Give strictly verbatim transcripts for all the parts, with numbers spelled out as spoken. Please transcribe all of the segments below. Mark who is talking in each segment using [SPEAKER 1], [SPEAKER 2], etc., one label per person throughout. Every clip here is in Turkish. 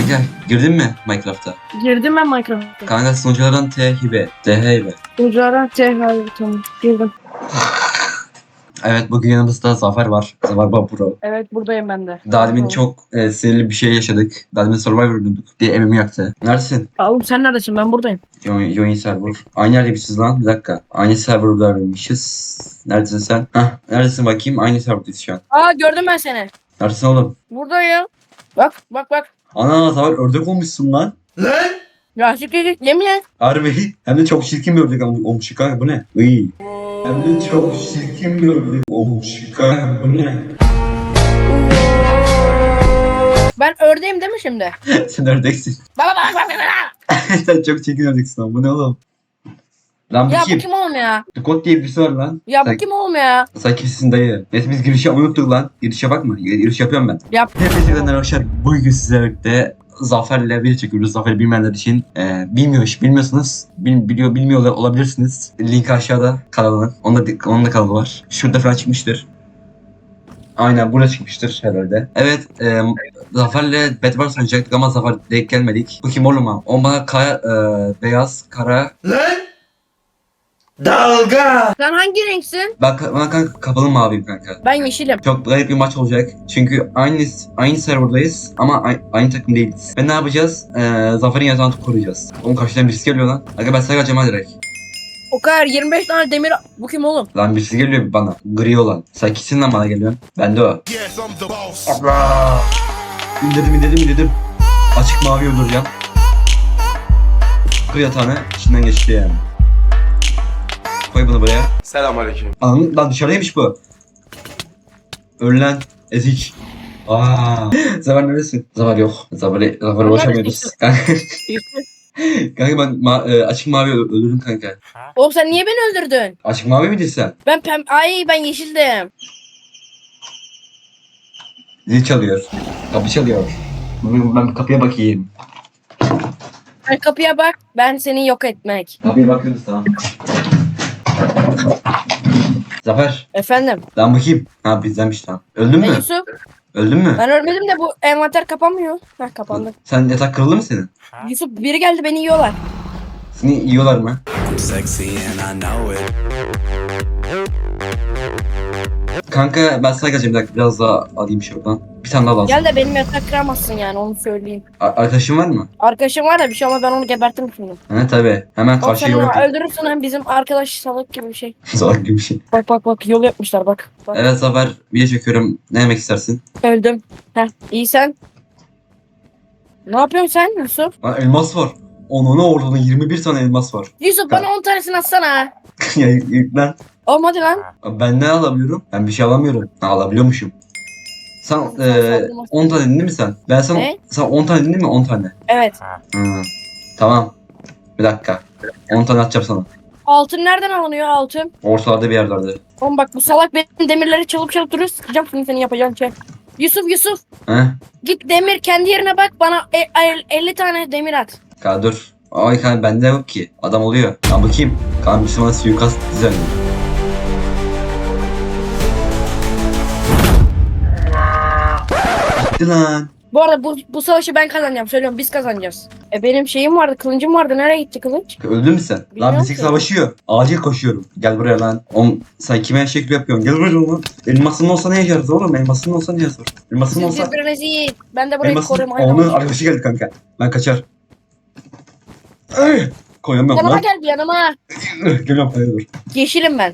[SPEAKER 1] Kanka girdin mi Minecraft'a?
[SPEAKER 2] Girdim ben Minecraft'a.
[SPEAKER 1] Kanka sunuculardan T hibe. T hibe.
[SPEAKER 2] Ucara Tehal tamam. Girdim.
[SPEAKER 1] Evet bugün yanımızda Zafer var. Zafer Bapuro.
[SPEAKER 2] Evet buradayım ben de.
[SPEAKER 1] Daha demin
[SPEAKER 2] Tamam.
[SPEAKER 1] çok e, sinirli bir şey yaşadık. Daha demin Survivor oynadık diye evimi yaktı. Neredesin?
[SPEAKER 2] Oğlum sen neredesin? Ben buradayım.
[SPEAKER 1] Join server. Aynı yerdeymişiz lan. Bir dakika. Aynı serverlardaymışız. Neredesin sen? Hah. Neredesin bakayım? Aynı serverdayız şu an.
[SPEAKER 2] Aa gördüm ben seni.
[SPEAKER 1] Neredesin oğlum?
[SPEAKER 2] Buradayım. Bak bak bak.
[SPEAKER 1] Ana Zafer ördek olmuşsun lan.
[SPEAKER 2] Ya siktir yemin et.
[SPEAKER 1] Harbi. Hem de çok çirkin bir ördek olmuş kanka. Bu ne? Iy. Hem de çok çirkin bir ördek olmuş kanka. Bu ne?
[SPEAKER 2] Ben ördeğim değil mi şimdi?
[SPEAKER 1] Sen ördeksin.
[SPEAKER 2] Bak bak bak bak bak.
[SPEAKER 1] Sen çok çirkin ördeksin ama bu ne oğlum? Lan bu
[SPEAKER 2] Ya
[SPEAKER 1] kim?
[SPEAKER 2] bu kim oğlum ya?
[SPEAKER 1] Dukot diye birisi var lan.
[SPEAKER 2] Ya bu
[SPEAKER 1] sen,
[SPEAKER 2] kim oğlum ya?
[SPEAKER 1] sen kimsin dayı? Neyse biz girişi unuttuk lan. Girişe bakma. Giriş yapıyorum ben.
[SPEAKER 2] Yap.
[SPEAKER 1] Hepinize arkadaşlar bugün sizlerle birlikte Zafer'le bir çekiyoruz. Zafer'i bilmeyenler için e, bilmiyor, bilmiyorsunuz. Bil, biliyor, bilmiyor olabilirsiniz. Link aşağıda kanalının. Onun da, onun da kanalı var. Şurada falan çıkmıştır. Aynen burada çıkmıştır herhalde. Evet e, Zafer'le Bedwars oynayacaktık ama Zafer denk gelmedik. Bu kim oğlum ha? O bana kaya, e, beyaz, kara.
[SPEAKER 3] Dalga.
[SPEAKER 2] Sen hangi renksin?
[SPEAKER 1] Ben, ben kanka kapalı maviyim kanka.
[SPEAKER 2] Ben yeşilim.
[SPEAKER 1] Çok garip bir maç olacak. Çünkü aynı aynı serverdayız ama aynı, aynı takım değiliz. Ve ne yapacağız? Ee, Zafer'in yatağını koruyacağız. Onun karşıdan birisi geliyor lan. Aga ben sana kaçacağım ha direkt.
[SPEAKER 2] O kadar yirmi beş tane demir. Bu kim oğlum?
[SPEAKER 1] Lan birisi geliyor bana. Gri olan. Sen kimsin lan bana geliyorsun? Ben de o.
[SPEAKER 3] Yes, I'm the boss.
[SPEAKER 1] Allah! İndirdim indirdim indirdim. Açık mavi öldüreceğim. Kır yatağını içinden geçti yani. Koy bunu buraya.
[SPEAKER 3] Selamünaleyküm.
[SPEAKER 1] Anladın lan dışarıdaymış bu. Ölen ezik. Aaa. Zafer neredesin? Zafer yok. Zafer'e Zafer'e ulaşamıyoruz. Kanka ben ma- e, açık mavi ö- öldürdüm kanka.
[SPEAKER 2] Oğlum sen niye beni öldürdün?
[SPEAKER 1] Açık mavi miydin sen?
[SPEAKER 2] Ben pem... Ay ben yeşildim.
[SPEAKER 1] Zil çalıyor. Kapı çalıyor. Ben ben bir kapıya bakayım.
[SPEAKER 2] Sen kapıya bak. Ben seni yok etmek.
[SPEAKER 1] Kapıya bakıyoruz tamam. Zafer.
[SPEAKER 2] Efendim.
[SPEAKER 1] Lan bakayım. Ha bizdenmiş tamam. Öldün
[SPEAKER 2] Ben
[SPEAKER 1] mü?
[SPEAKER 2] Yusuf.
[SPEAKER 1] Öldün mü?
[SPEAKER 2] Ben ölmedim de bu envanter kapanmıyor. Heh kapandı.
[SPEAKER 1] Sen yatak kırıldı mı senin?
[SPEAKER 2] Yusuf biri geldi beni yiyorlar.
[SPEAKER 1] Seni yiyorlar mı?
[SPEAKER 4] I'm sexy and I know it.
[SPEAKER 1] Kanka ben sana geleceğim bir dakika biraz daha alayım şuradan. Bir tane daha lazım.
[SPEAKER 2] Gel de benim yatak kıramazsın yani onu söyleyeyim.
[SPEAKER 1] A- arkadaşın var mı?
[SPEAKER 2] Arkadaşım var da bir şey ama ben onu gebertirim şimdi.
[SPEAKER 1] He tabi. Hemen
[SPEAKER 2] Bak
[SPEAKER 1] karşı
[SPEAKER 2] sen
[SPEAKER 1] yol
[SPEAKER 2] onu
[SPEAKER 1] yapayım.
[SPEAKER 2] öldürürsün hem bizim arkadaş salak gibi bir şey.
[SPEAKER 1] Salak gibi bir şey.
[SPEAKER 2] Bak bak bak yol yapmışlar bak. bak.
[SPEAKER 1] Evet Zafer video çekiyorum. Ne yemek istersin?
[SPEAKER 2] Öldüm. Heh iyi sen. Ne yapıyorsun sen Yusuf?
[SPEAKER 1] Lan elmas var. Onun orada yirmi bir tane elmas var.
[SPEAKER 2] Yusuf bana on tanesini atsana.
[SPEAKER 1] Ya yüklen.
[SPEAKER 2] Oğlum hadi lan.
[SPEAKER 1] Ben ne alabiliyorum? Ben bir şey alamıyorum. Ha, alabiliyormuşum. Sen
[SPEAKER 2] Sen
[SPEAKER 1] eee
[SPEAKER 2] saldırmasın.
[SPEAKER 1] on tane dedin değil mi sen? Ben sana
[SPEAKER 2] Ne?
[SPEAKER 1] sen on tane dedin değil mi? on tane.
[SPEAKER 2] Evet.
[SPEAKER 1] Hı. Tamam. Bir dakika. on tane atacağım sana.
[SPEAKER 2] Altın nereden alınıyor altın?
[SPEAKER 1] Ortalarda bir yerlerde.
[SPEAKER 2] Oğlum bak bu salak benim demirleri çalıp çalıp duruyor. Sıkacağım şimdi seni yapacağın şey. Yusuf Yusuf.
[SPEAKER 1] He?
[SPEAKER 2] Git demir kendi yerine bak bana e- e- elli tane demir at.
[SPEAKER 1] Kanka dur. Ay kanka bende yok ki. Adam oluyor. Ben bakayım. Kanka bir bana suikast düzenliyor. Gitti lan.
[SPEAKER 2] Bu arada bu, bu savaşı ben kazanacağım. Söylüyorum biz kazanacağız. E benim şeyim vardı kılıncım vardı. Nereye gitti kılıç?
[SPEAKER 1] Öldün mü sen?
[SPEAKER 2] Bilmiyorum
[SPEAKER 1] Lan bizik
[SPEAKER 2] ki.
[SPEAKER 1] savaşıyor. Acil koşuyorum. Gel buraya lan. Oğlum sen kime şekil yapıyorsun? Gel buraya lan. Elmasın olsa ne yaşarız oğlum? Elmasın olsa ne yaşar? Elmasın
[SPEAKER 2] Siz
[SPEAKER 1] olsa...
[SPEAKER 2] birbirinizi yiyin. Ben de burayı
[SPEAKER 1] Elmasın...
[SPEAKER 2] koruyorum.
[SPEAKER 1] Onun arkadaşı geldi kanka. Ben kaçar. Ay! Koyamıyorum
[SPEAKER 2] Yanıma
[SPEAKER 1] lan.
[SPEAKER 2] gel bir yanıma.
[SPEAKER 1] Geliyorum hayır dur.
[SPEAKER 2] Yeşilim ben.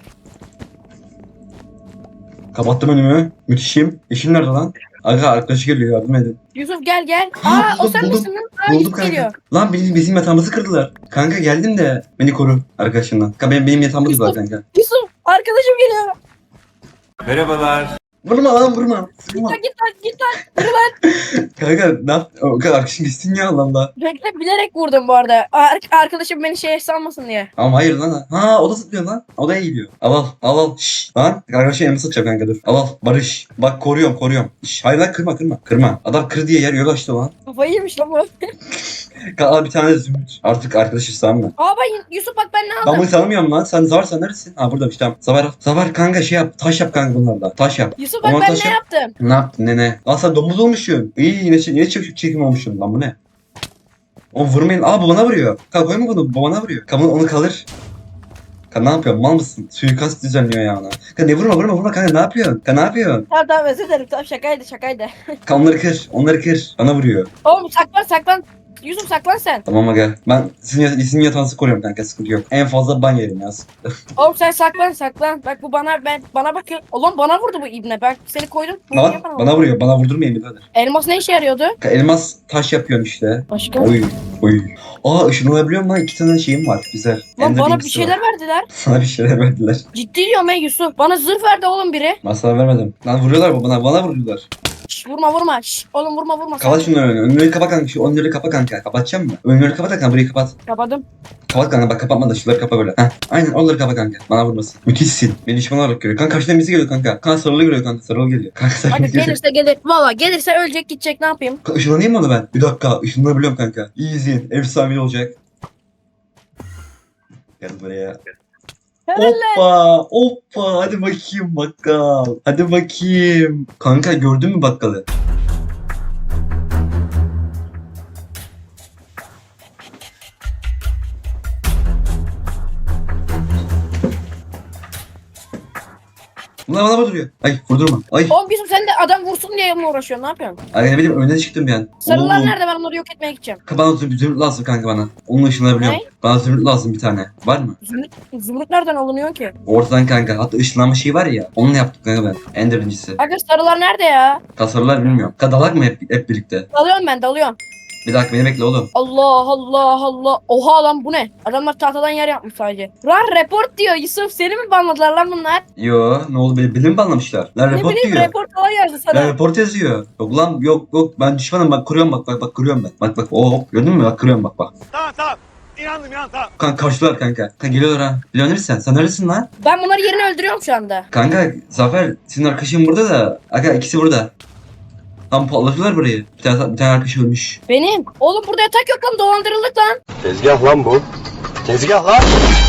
[SPEAKER 1] Kapattım önümü. Müthişim. İşim nerede lan? Aga arkadaşı geliyor yardım edin.
[SPEAKER 2] Yusuf gel gel.
[SPEAKER 1] Ha,
[SPEAKER 2] Aa o
[SPEAKER 1] buldum,
[SPEAKER 2] sen
[SPEAKER 1] buldum.
[SPEAKER 2] misin lan? Aa
[SPEAKER 1] Buldum
[SPEAKER 2] Yusuf
[SPEAKER 1] kanka.
[SPEAKER 2] geliyor.
[SPEAKER 1] Lan bizim, bizim yatağımızı kırdılar. Kanka geldim de beni koru arkadaşından. Kanka benim, benim yatağımı kırdılar kanka.
[SPEAKER 2] Yusuf arkadaşım geliyor.
[SPEAKER 3] Merhabalar.
[SPEAKER 1] Vurma lan vurma. Vurma.
[SPEAKER 2] Ya git lan git lan. Yürü lan.
[SPEAKER 1] Kanka ne yap? O kadar arkadaşın gitsin ya Allah'ım da.
[SPEAKER 2] Bekle bilerek vurdum bu arada. Ar- arkadaşım beni şey sanmasın diye.
[SPEAKER 1] Ama hayır lan. Ha o da zıplıyor lan. O da eğiliyor. Al al al al. Şşş lan. Arkadaşın elimi satacağım kanka dur. Al al. Barış. Bak koruyorum koruyorum. Şşş hayır lan kırma kırma. Kırma. Adam kır diye yer yol açtı lan.
[SPEAKER 2] Kafayı yemiş lan bu.
[SPEAKER 1] Kanka al bir tane de zümrüt. Artık arkadaşız tamam mı?
[SPEAKER 2] Aa ben Yusuf bak ben ne
[SPEAKER 1] Ben
[SPEAKER 2] aldım?
[SPEAKER 1] bunu tanımıyorum lan. Sen Zavar sen neredesin? Ha buradaymış tamam. Zavar, Zavar kanka şey yap. Taş yap kanka bunlarla. Taş yap.
[SPEAKER 2] Yusuf bak
[SPEAKER 1] Ama
[SPEAKER 2] ben
[SPEAKER 1] taş
[SPEAKER 2] ne
[SPEAKER 1] yap.
[SPEAKER 2] yaptım?
[SPEAKER 1] Ne yaptın nene? Lan sen domuz olmuşsun. İyi yine, yine çek çekim olmuşsun lan bu ne? O vurmayın. Aa babana vuruyor. Kanka koyma bunu. Babana vuruyor. Kanka onu kalır. Kanka ne yapıyorsun? Mal mısın? Suikast düzenliyor ya ona. Kanka ne vurma vurma vurma kanka ne yapıyorsun? Kanka ne yapıyorsun?
[SPEAKER 2] Tamam tamam özür dilerim tamam şakaydı şakaydı.
[SPEAKER 1] Kanka onları kır. Onları kır. Bana vuruyor.
[SPEAKER 2] Oğlum saklan saklan. Yusuf saklan sen.
[SPEAKER 1] Tamam aga. Ben sizin, yat- sizin yatağınızı koruyorum kanka sıkıntı yok. En fazla ban yerim ya.
[SPEAKER 2] Oğlum sen saklan saklan. Bak bu bana ben bana bakıyor. Oğlum bana vurdu bu ibne. Ben seni koydum. Bu
[SPEAKER 1] Lan
[SPEAKER 2] niye bana
[SPEAKER 1] bana
[SPEAKER 2] vurdu?
[SPEAKER 1] vuruyor. Bana vurdurmayın birader.
[SPEAKER 2] Elmas ne işe yarıyordu?
[SPEAKER 1] Kanka elmas taş yapıyorsun işte.
[SPEAKER 2] Başka?
[SPEAKER 1] Oy. Oy. Aa ışınlanabiliyorum lan. İki tane şeyim var. Güzel.
[SPEAKER 2] Lan
[SPEAKER 1] Ender
[SPEAKER 2] bana bir
[SPEAKER 1] Ringsi
[SPEAKER 2] şeyler
[SPEAKER 1] var.
[SPEAKER 2] verdiler.
[SPEAKER 1] Sana bir şeyler verdiler.
[SPEAKER 2] Ciddi diyorum ey Yusuf. Bana zırh verdi oğlum biri.
[SPEAKER 1] Ben sana vermedim. Lan vuruyorlar bana. Bana vuruyorlar.
[SPEAKER 2] Şş, vurma vurma. Şş, oğlum vurma vurma.
[SPEAKER 1] Kapat
[SPEAKER 2] Sakin.
[SPEAKER 1] şunları önünü. Önleri kapa kanka. Şu önleri kapa kanka. Kapatacağım mı? Önleri kapa da kanka. Burayı kapat.
[SPEAKER 2] Kapadım.
[SPEAKER 1] Kapat kanka. Bak kapatma da şunları kapa böyle. Heh. Aynen onları kapa kanka. Bana vurmasın. Müthişsin. Beni düşman olarak görüyor. Kanka karşıdan birisi geliyor kanka. Kanka sarılı geliyor kanka. Sarılı geliyor. Kanka sarılı
[SPEAKER 2] Hadi
[SPEAKER 1] geliyor.
[SPEAKER 2] gelirse gelir. Valla gelirse ölecek gidecek ne yapayım?
[SPEAKER 1] Kanka, ışınlanayım mı onu ben? Bir dakika. Işınlanabiliyorum kanka. İyi izleyin. Efsanevi olacak. Gel buraya.
[SPEAKER 2] Helal.
[SPEAKER 1] Hoppa, hoppa. Hadi bakayım bakkal. Hadi bakayım. Kanka gördün mü bakkalı? Bunlar bana vuruyor. Ay vurdurma. Ay.
[SPEAKER 2] Oğlum Yusuf sen de adam vursun diye mi uğraşıyorsun? Ne yapıyorsun?
[SPEAKER 1] Ay ne bileyim önüne çıktım yani.
[SPEAKER 2] Sarılar
[SPEAKER 1] Oğlum.
[SPEAKER 2] nerede? Ben onları yok etmeye gideceğim.
[SPEAKER 1] Kanka bana zümrüt, zümrüt lazım kanka bana. Onunla ışınlanabiliyorum.
[SPEAKER 2] Ne?
[SPEAKER 1] Bana zümrüt lazım bir tane. Var mı?
[SPEAKER 2] Zümrüt, zümrüt nereden alınıyor ki?
[SPEAKER 1] Ortadan kanka. Hatta ışınlanma şeyi var ya. Onunla yaptık kanka ben. Ender incisi.
[SPEAKER 2] Aga sarılar nerede ya?
[SPEAKER 1] Tasarılar bilmiyorum. Kanka dalak mı hep, hep birlikte?
[SPEAKER 2] Dalıyorum ben dalıyorum.
[SPEAKER 1] Bir dakika beni bekle oğlum.
[SPEAKER 2] Allah Allah Allah. Oha lan bu ne? Adamlar tahtadan yer yapmış sadece. Lan report diyor Yusuf. Seni mi banladılar lan bunlar?
[SPEAKER 1] Yo ne oldu beni, beni mi banlamışlar? Lan
[SPEAKER 2] Ne
[SPEAKER 1] report
[SPEAKER 2] bileyim
[SPEAKER 1] diyor.
[SPEAKER 2] report falan yazdı
[SPEAKER 1] Lan
[SPEAKER 2] sana.
[SPEAKER 1] report yazıyor. Yok lan yok yok ben düşmanım bak kırıyorum bak bak bak kırıyorum ben. Bak bak oh gördün mü bak kırıyorum bak bak.
[SPEAKER 3] Tamam tamam. İnandım inandım tamam.
[SPEAKER 1] Kanka karşılar kanka. Kanka geliyorlar ha. Biliyor musun sen? Sen neredesin lan?
[SPEAKER 2] Ben bunları yerini öldürüyorum şu anda.
[SPEAKER 1] Kanka Zafer senin arkadaşın burada da. Aga ikisi burada. Tam patlatıyorlar burayı. Bir tane, bir tane arkadaş ölmüş.
[SPEAKER 2] Benim. Oğlum burada yatak yok lan dolandırıldık lan.
[SPEAKER 3] Tezgah lan bu. Tezgah lan.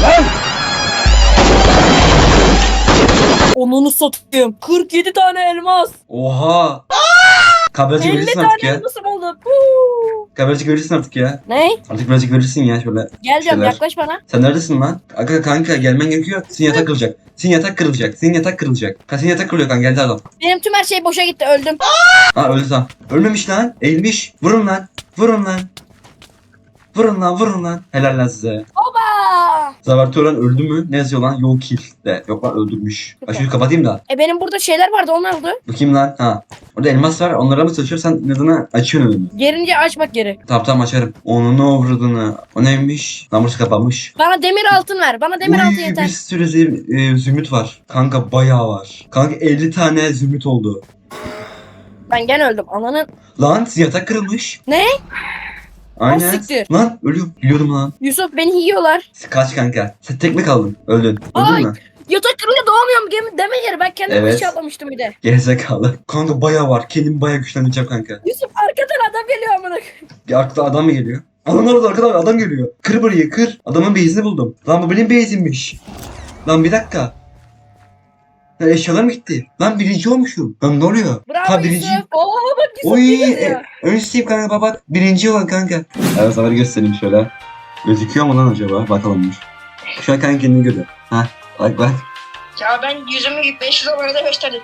[SPEAKER 2] Onunu satayım. kırk yedi tane elmas.
[SPEAKER 1] Oha. Kabarcık
[SPEAKER 2] elli
[SPEAKER 1] verirsin
[SPEAKER 2] tane
[SPEAKER 1] artık ya.
[SPEAKER 2] elmasım oldu. Huu.
[SPEAKER 1] Kabarcık verirsin artık ya.
[SPEAKER 2] Ne?
[SPEAKER 1] Artık birazcık verirsin ya şöyle.
[SPEAKER 2] Gel diyorum
[SPEAKER 1] Şeyler.
[SPEAKER 2] yaklaş bana.
[SPEAKER 1] Sen neredesin lan? Aga kanka gelmen gerekiyor. Senin yatak kırılacak. Senin yatak kırılacak. Senin yatak kırılacak. Kanka senin yatak kırılıyor kanka geldi adam.
[SPEAKER 2] Benim tüm her şey boşa gitti öldüm.
[SPEAKER 1] Ha öldü tamam. Ölmemiş lan. Eğilmiş. Vurun lan. Vurun lan. Vurun lan vurun lan. Helal lan size.
[SPEAKER 2] Oba!
[SPEAKER 1] Zafer Turan öldü mü? Ne yazıyor lan? Yok kill de. Yok lan öldürmüş. Ben şunu kapatayım da.
[SPEAKER 2] E benim burada şeyler vardı onlar oldu.
[SPEAKER 1] Bakayım lan. Ha. Orada elmas var. Onlara mı çalışıyor? Sen neden açıyorsun önünü?
[SPEAKER 2] Gerince açmak geri.
[SPEAKER 1] Tamam tamam açarım. Onun ne uğradığını. O neymiş? Lan burası kapanmış.
[SPEAKER 2] Bana demir altın ver. Bana demir altın
[SPEAKER 1] Uy,
[SPEAKER 2] yeter.
[SPEAKER 1] bir sürü zü- e, zümrüt var. Kanka bayağı var. Kanka elli tane zümrüt oldu.
[SPEAKER 2] Ben gene öldüm. Ananın.
[SPEAKER 1] Lan yatak kırılmış.
[SPEAKER 2] Ne?
[SPEAKER 1] Aynen.
[SPEAKER 2] Ah, siktir.
[SPEAKER 1] Lan ölüyorum. Biliyordum lan.
[SPEAKER 2] Yusuf beni yiyorlar.
[SPEAKER 1] Kaç kanka. Sen tek mi kaldın? Öldün. Öldün
[SPEAKER 2] Ay.
[SPEAKER 1] mü?
[SPEAKER 2] Yatak kırınca doğamıyorum gemi deme yeri. Ben kendim
[SPEAKER 1] Evet.
[SPEAKER 2] bir şey atlamıştım bir de.
[SPEAKER 1] Gerizekalı. Kanka bayağı var. Kendimi bayağı güçlendireceğim kanka.
[SPEAKER 2] Yusuf arkadan adam geliyor amına.
[SPEAKER 1] Bir arkada adam mı geliyor? Adamlar orada arkadan adam geliyor. Kır burayı kır. Adamın base'ini buldum. Lan bu benim base'immiş. Lan bir dakika. Lan eşyalarım gitti. Lan birinci olmuşum. Lan ne oluyor?
[SPEAKER 2] Bravo
[SPEAKER 1] Ha birinci.
[SPEAKER 2] Yusuf. Oo bak Yusuf
[SPEAKER 1] Oy.
[SPEAKER 2] iyi geziyor.
[SPEAKER 1] E, ön üstteyim kanka bak. Birinci olan kanka. Evet sana göstereyim şöyle. Gözüküyor mu lan acaba? Bakalım dur. Şu an kanka kendini görüyor. Ha bak bak.
[SPEAKER 2] Ya ben yüzümü beş yüz dolara da gösterdim.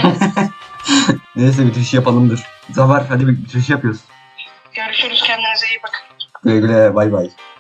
[SPEAKER 1] Neyse bitiriş yapalımdır. Zafer hadi bir bitiriş yapıyoruz.
[SPEAKER 2] Görüşürüz kendinize iyi bakın.
[SPEAKER 1] Güle güle bay bay.